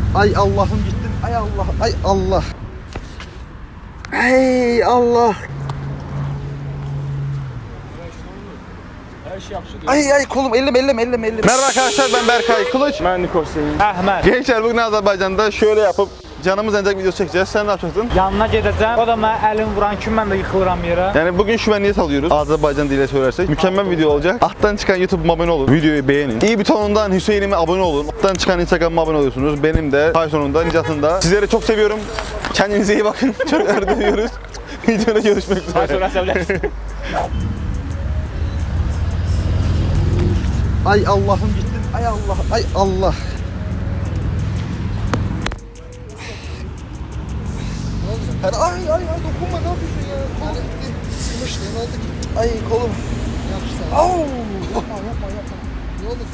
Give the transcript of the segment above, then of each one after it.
Ay Allah'ım gittim. Ay Allah. Ay Allah. Ay Allah. Ay kolum elleme. Merhaba arkadaşlar, ben Berkay Kılıç. Ben Nikol Hüseyin. Ahmet. Gençler, bugün Azerbaycan'da şöyle yapıp canımız yanacak video çekeceğiz. Sen ne yapacaksın? Yanına gedəcəm. O da mənə əlin vuran kimi mən də yıxılıram yerə. Yani bugün şu niyet alıyoruz. Azerbaycan diliyle söylersek. Mükemmel video olacak. Alttan çıkan YouTube'uma abone olun. Videoyu beğenin. İyi butonundan Hüseyin'ime abone olun. Alttan çıkan Instagram'ıma abone oluyorsunuz. Benim de Tyson'un da Nicat'ın. Sizleri çok seviyorum. Kendinize iyi bakın. Çok ördürüyoruz. Videoda görüşmek üzere. Ay Allah'ım gittim. Ay Allah. Ay Allah. Ay dokunma, ne yapıyorsun ya? Kolum gitti. Sıkmış, ne oldu ki? Ay kolum. Yapıştı. Au. Yapma. Ne oldu?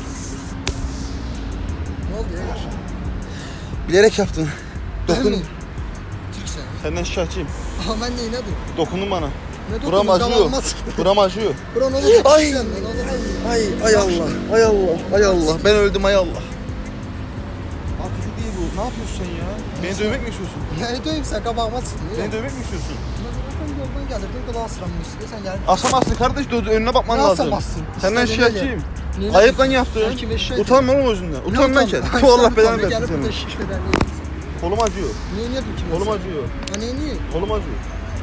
Ne oldu ya? Bilerek yaptın. Dokun. Türk sen. Senden şikayetçiyim. Aha ben neyine dur? Dokundun bana. Ne dokundun? Buram acıyor. Davalma sıktı. Buram acıyor. Buran olur. Ay. Ay Allah. Ay Allah. Ay Allah. Ben öldüm, ay Allah. Atıcı değil bu. Ne yapıyorsun sen ya? Beni dövmek mi istiyorsun? Ne döveyim sen kabağıma sıktın. Beni dövmek mi istiyorsun? Sen yoldan gelirdin, kadar asıranmış. Sen gel. Asamazsın kardeş, önüne bakman Ne lazım. asamazsın? Senden İstediğin şikayetçiyim. Neyine- Ayıp lan yaptın. Ben kime şikayet Utanma oğlum özünden. Ne Utan lan utanma? kendin. Tu Allah belanı versin Gelip burada senin. şiş veren neyse. Kolum acıyor. Neyin yapayım ki? Kolum acıyor. Ha neyin iyi? Kolum acıyor.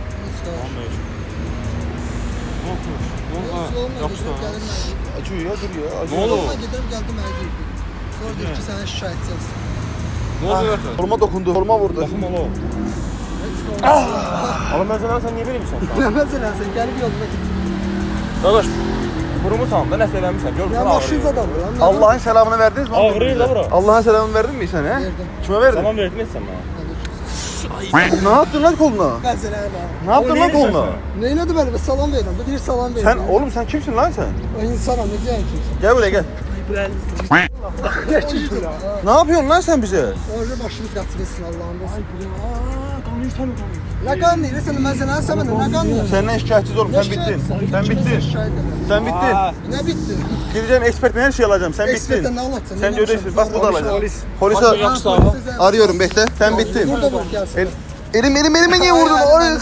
Acıyor ya, dur ya. Acıyor. Ne oldu? Gidelim geldim evde. Sonra dedi ki sana şikayetçiyiz. Ne oluyor? Koluma dokundu. Koluma vurdu. Oğlum ben sana sen niye vereymişsən? Ne mesela sen gelip yoluna git. Qardaş, vurmusan da nəsə eləmisən. Görmüsən Ya başınız adamdır. anladın mı? Allah'ın selamını verdiniz mi? Ağrıyır da bura. Allah'ın selamını verdin mi sen he? Verdim. Kime verdin? Salam verdin sən mənə. Ne yaptın lan koluna? Mesela öyle. Ne yaptın lan koluna? Neyine de böyle bir salam verin. Bir salam verin. Sen oğlum sen kimsin lan sen? O insana ne diyen kimsin? Gel buraya gel. Ne yapıyorsun lan sen bize? Orada başımız kaçırırsın Allah'ın olsun. Ne kan değil sen ben sana sevmedim ne kan değil. Senden şikayetçiyiz oğlum, sen bittin. Sen bittin. Sen bittin. Ne bitti? Gideceğim ekspertten her şeyi alacağım, sen bittin. Ekspertten ne alacaksın? Sen de ödesin, bak burada alacağım. Polise Polise arıyorum, bekle. Sen bittin. Burada bak gelsin. Elime niye vurdun? Ay.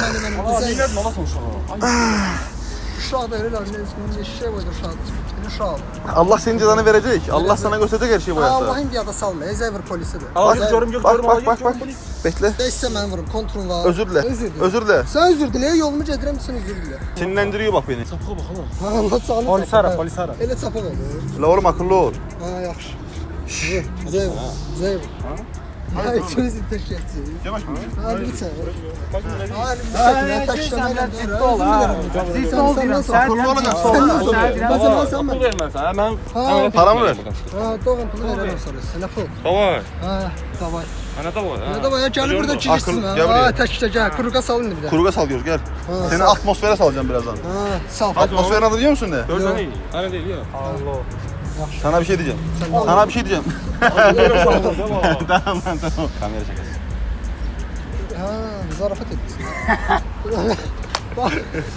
Şu anda öyle lan ne şey var şu anda. Şu anda. Allah senin cezanı verecek. Allah sana gösterecek her şeyi bu hayatta. Allah'ın bir ada salma. Ezevir polisi de. Bak. Bekle. Değişse ben vururum. Kontrol var. Özür dile. Özür dile. Sen özür dile. Yolumu cedirem misin özür dile. Sinirlendiriyor bak beni. Ha Allah sağlık. Polis ara, polis ara. Ele çapa olur. La oğlum akıllı ol. Ha yaxşı. Zeyv. Ha ikimiz de teşekkür ederiz. Yavaş mı? Hadi lütfen. Hadi Ciddi ol ha. Ciddi ol deyirəm. Sən Akıllı olacaksın. pul vermən sənə. Mən Paramı ver. Ha doğru pulu veremem sana. Sana pul. Davay. Ha davay. Ana davay. Ne davay gel burada çizsin ha. gel buraya. Ha tek gel. Kuruga salın bir de. Kuruga salıyoruz, gel. Ha, Seni atmosfere salacağım birazdan. Ha sal. Atmosferin adı biliyor musun ne? Görsən iyi. Ana deyil ya. Allah. Sana bir şey diyeceğim. Sen Sana bir şey diyeceğim. Tamam. Tamam. Kamera şakası. Ha zarafet ettin. Bak.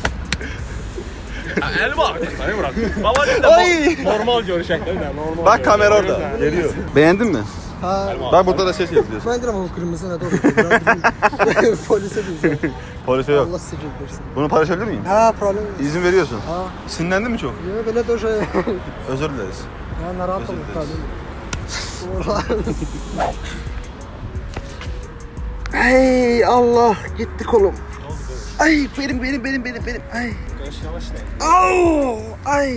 Əli var. Səni bırak. Baba dedi Ay. normal görüşəkdə normal. Bak kamera orada. Geliyor. Beğendin mi? Ha. Bak burada da ses yapıyorsun. Ben dedim o kırmızı ne doğru. Polise diyeceğim. Polise yok. Allah sizi versin. Bunu paylaşabilir miyim? Ha problem yok. İzin veriyorsun. Ha. Sinirlendin mi çok? Yok böyle de şey. Özür dileriz. Ya narahat Özür olduk dileriz. tabii. Ay Allah, gitti kolum. Ay benim. Ay. Au! Ay.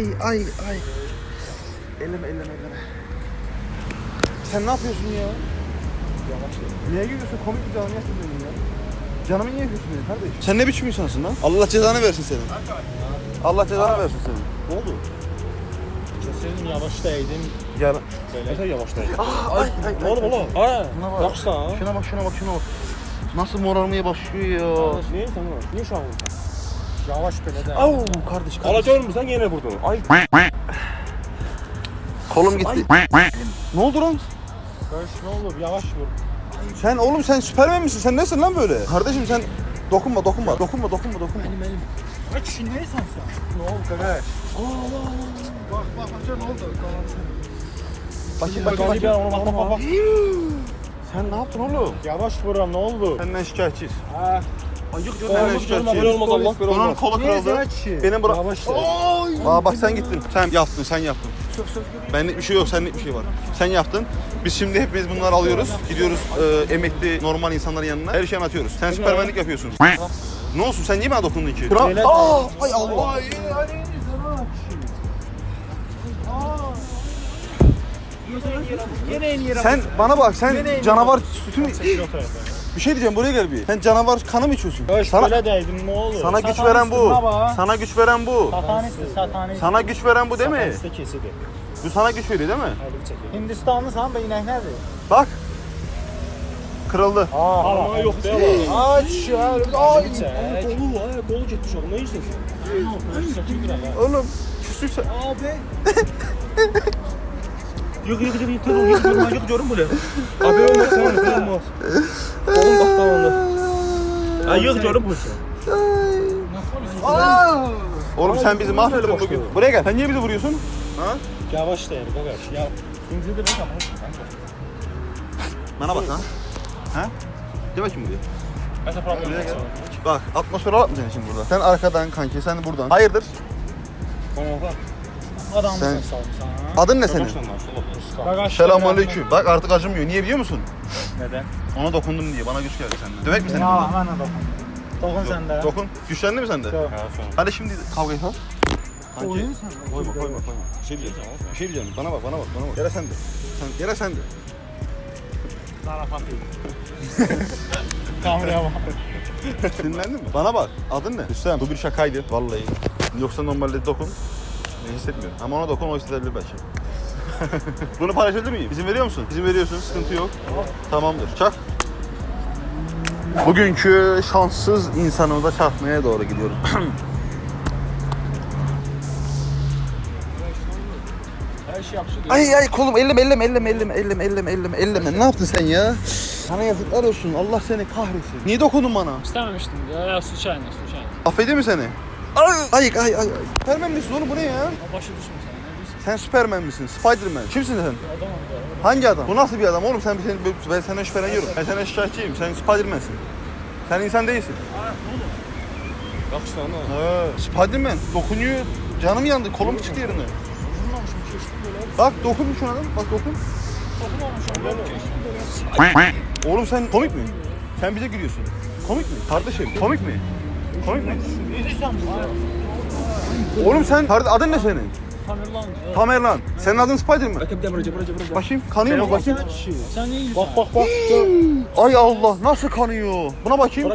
Elleme. Sen ne yapıyorsun ya? Yavaş. Niye gülüyorsun? Komik bir canımı yakıyorsun ya. Canımı niye yakıyorsun benim kardeşim? Sen ne biçim insansın lan? Allah cezanı versin senin. Allah cezanı versin senin. Ne oldu? Senin yavaş değdin. Gel. Söylə yavaş değdin. Ay. Ne oldu oğlum? Ha. Şuna bak. Yaxşısan. Şuna bak. Nasıl morarmaya başlıyor ya. Niye sen var? Niye uşağın vursan? Yavaş belə də. Au kardeş. Ala görmürsən yenə vurdun. Ay. Kolum gitti. Ne oldu lan? Görüş ne olur? Yavaş vur. Sen oğlum sen Süpermen misin? Sen nesin lan böyle? Kardeşim sen dokunma. Elim. Ay kişi neysən sen? Ne oldu kardeş? Bak ne oldu? Bakayım. Bak. Bak. Sen ne yaptın oğlum? Yavaş vuram ne oldu? Senden şikayetçiyiz. Ha. Ayık Olmuş görme böyle olmaz Allah böyle Bunun olmaz. kolu kırıldı. Benim bırak. Yavaş. Aa bak sen gittin. Sen yaptın. Benlik bir şey yok, senlik bir şey var. Sen yaptın. Biz şimdi hepimiz bunları alıyoruz. Gidiyoruz emekli normal insanların yanına. Her şeyi anlatıyoruz. Sen süpermenlik yapıyorsun. Ne olsun sen niye bana dokundun ki? Aa, ay Allah. Sen bana bak sen canavar sütü mü? Bir şey diyeceğim buraya gel bir. Sen canavar kanı mı içiyorsun? Sana değdim ne olur. Sana güç veren bu. Sana güç veren bu. Satanist. Sana güç veren bu değil mi? Satanist kesidir. Bu sana güç veriyor değil mi? Hindistanlı sen be inek nerede? Bak. Kırıldı. Ama yok değil mi? Aç ya. Ay. Kolu gitmiş oğlum. Ne yiyorsun sen? Oğlum küsüyse. Abi. Yok görün böyle. Abi olmaz sen olmaz. Oğlum bak tamam. Ay yok görün bu. Oğlum sen bizi mahvettin bugün. Buraya gel. Sen niye bizi vuruyorsun? Ha? Yavaş da yani bak ya. İnce de ben ama. Bana bak ha. Ha? Gel bakayım buraya. Ben de problem yok. Bak atmosfere atmayacaksın şimdi burada. Sen arkadan kanki, sen buradan. Hayırdır? Adamsın Sen- sana. Adın ne senin? Selamünaleyküm. Bak artık acımıyor. Niye biliyor musun? Neden? Ona dokundum diye. Bana güç geldi senden. Dövek mi seni? Ya hemen dokun. Dokun sen de. Dokun. Güçlendi mi sende? Yok. Hadi şimdi kavga et ha. Kanki. Oyun sen. Koyma. Bir şey diyeceğim. Bir şey diyeceğim. Bana bak. Yere sen de. Yere sen de. Zarafat değil. Kameraya bak. Dinlendin mi? Bana bak. Adın ne? Hüsam. Bu bir şakaydı. Vallahi. Yoksa normalde dokun. Ne hissetmiyorum. Ama ona dokun o hissedebilir belki. Bunu paylaşabilir miyim? İzin veriyor musun? İzin veriyorsun. Sıkıntı yok. Tamamdır. Çak. Bugünkü şanssız insanımıza çarpmaya doğru gidiyoruz. Her şey yapışır. Ay kolum elleme. Ne yaptın sen ya? Sana yazıklar olsun. Allah seni kahretsin. Niye dokundun bana? İstememiştim ya su çayını. Affedeyim mi seni? Ay. Süpermen misin oğlum bu ne ya? Başı düşmüş sana ne diyorsun? Sen Süpermen misin? Spiderman. Kimsin sen? Adamım da. Hangi adam? Bu nasıl bir adam oğlum? Ben senden şüpheleniyorum. Ben senden şikayetçiyim. Sen Spiderman'sin. Sen insan değilsin. Bak işte onu. Spiderman dokunuyor. Canım yandı. Kolum çıktı yerine. Bak dokun şuna lan. Bak dokun. Oğlum sen komik mi? Sen bize gülüyorsun. Komik mi? Kardeşim komik mi? Oğlum sen adın ne senin? Tamerlan. Tamerlan. Senin adın Spiderman. Bakayım kanıyor mu bakayım? Sen ne ilgili? Bak. Ay Allah nasıl kanıyor? Buna bakayım.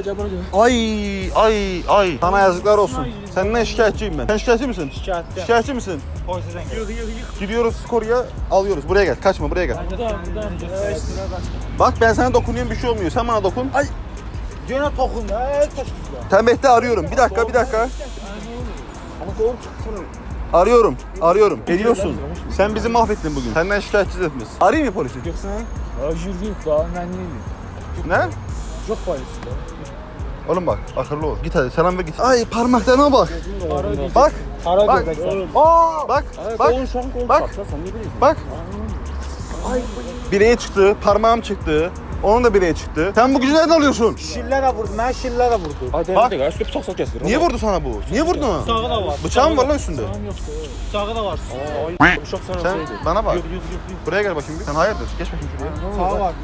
Ay. Sana yazıklar olsun. Senden şikayetçiyim ben. Sen şikayetçi misin? Şikayetçi misin? Polise sen. Gidiyoruz koruya alıyoruz. Buraya gel. Kaçma buraya gel. Buradan. Bak ben sana dokunuyorum bir şey olmuyor. Sen bana dokun. Ay. Gene tokun. Taşısın. Tembehte arıyorum. Bir dakika. Ama doğru çıksana. Arıyorum. Geliyorsun. Sen bizi mahvettin bugün. Senden şikayetçiyiz hepimiz. Arayayım mı polisi? Yoksa Yürüyüp daha ben neyim? Ne? yok polisi. Oğlum bak akıllı ol. Git hadi selam ver git. Ay parmaklarına bak. Bak. Para Bak. göbek sen. Bak. Bak. Bak. Bileğe çıktı. Parmağım çıktı. Onun da bileğe çıktı. Sen bu gücü nereden alıyorsun? Şillere vurdu. Ben şillere vurdu. Bak. Üstü bıçak kestir. Niye vurdu sana bu? Niye vurdun ona? Bıçağı da var. Bıçağın var lan üstünde. Bıçağı da var. Bıçak sana Sen şeydi. bana bak. Yok. Buraya gel bakayım bir. Sen hayırdır? Geç bakayım şuraya. Sağa var.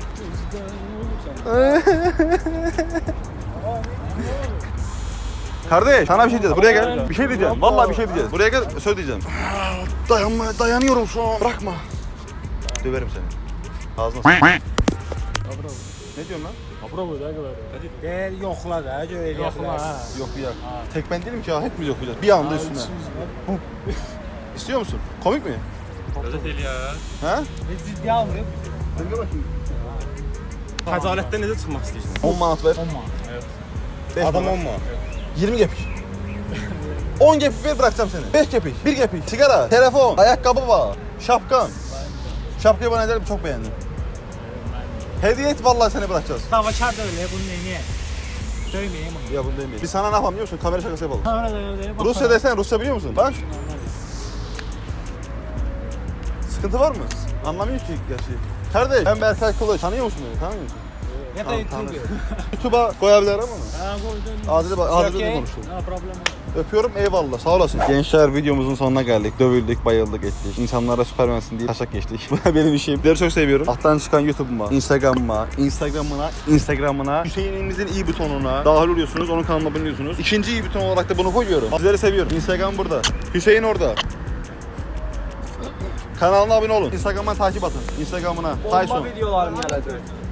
Kardeş sana bir şey diyeceğiz. Buraya gel. Bir şey diyeceğim. Vallahi bir şey diyeceğiz. Buraya gel söz diyeceğim. Dayanıyorum şu an. Bırakma. Döverim seni. Ağzına s***. Ne diyorsun lan? Bravo da kadar. Gel yokla da. Yokla. Yok bir yak. Tek ben değilim ki ya. Hepimiz okuyacağız. Bir anda üstüne. İstiyor musun? Komik mi? Öyle değil ya. Ha? Ne ciddi almıyor. Sen gel bakayım. Xəcalətten necə çıxmaq istəyirsən? 10 manat ver. 10 manat. Beş Adam manat. 10 manat. 20 gepik. 10 gepik ver bırakacağım seni. 5 gepik, 1 gepik. Sigara, telefon, ayakkabı var, şapkan. Şapkayı bana ederim çok beğendim. Hediye et vallahi seni bırakacağız. Davakar da öyle. Bunu neyine? Söyleyeyim onu. Ya bunu demeyin. Biz sana ne yapalım biliyor musun? Kamera şakası yapalım. Kamera da öyle. Rusça desen Rusça biliyor musun? Bak. Sıkıntı var mı? Anlamıyor ki gerçi. Kardeş ben Berkay Kılıç. Tanıyor musun beni? Tanıyor musun? Ya da YouTube. YouTube'a koyabilirim ama. Ha koydum. Adil'le Okay. konuştum. No problem. Öpüyorum eyvallah sağ olasın. Gençler videomuzun sonuna geldik. Dövüldük, bayıldık, ettik. İnsanlara süpermensin diye taşak geçtik. Bu da benim işim. Sizleri çok seviyorum. Alttan çıkan YouTube'uma, Instagram'ına, Hüseyin'imizin i butonuna dahil oluyorsunuz. Onun kanalına abone oluyorsunuz. İkinci i buton olarak da bunu koyuyorum. Sizleri seviyorum. Instagram burada. Hüseyin orada. Kanalına abone olun. Instagram'dan takip atın. Instagram'ına. Tyson. videolarım gelecek.